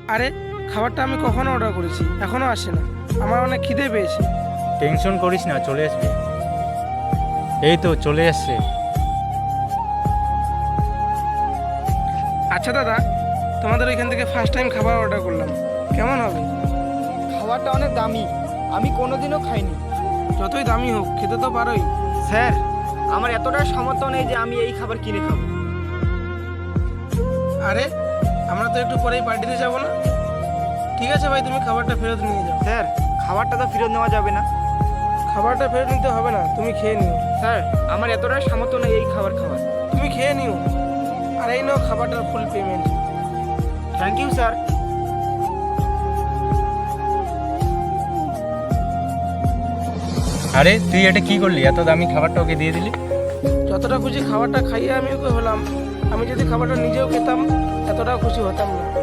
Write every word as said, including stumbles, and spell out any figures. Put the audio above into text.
আরে খাবারটা আমি কখনো অর্ডার করেছি, এখনো আসে না। আমার অনেক খিদে পেয়েছে। টেনশন করিস না, চলে আসবে। এই তো চলে আসছে। আচ্ছা দাদা, তোমাদের ওইখান থেকে ফার্স্ট টাইম খাবার অর্ডার করলাম, কেমন হবে? খাবারটা অনেক দামি, আমি কোনোদিনও খাইনি। যতই দামি হোক খেতে তো পারোই। স্যার, আমার এতটা সামর্থ্য নেই যে আমি এই খাবার কিনে খাবো। আরে আমরা তো একটু পরেই পার্টিতে যাব না? ঠিক আছে ভাই, তুমি খাবারটা ফেরত নিয়ে যাও। স্যার, খাবারটা তো ফেরত নেওয়া যাবে না। খাবারটা ফেরত নিতে হবে না, তুমি খেয়ে নিও। স্যার, আমার এতটা সামর্থ্য নেই এই খাবার খাওয়ার। তুমি খেয়ে নিও। আর এই নাও খাবারটার full payment. Thank you sir. আরে তুই এটা কি করলি? এত দামি খাবারটা ওকে দিয়ে দিলি? যতটা খুশি খাবারটা খাইয়ে আমি ওকে হলাম, আমি যদি খাবারটা নিজেও খেতাম এতটাও খুশি হতাম না।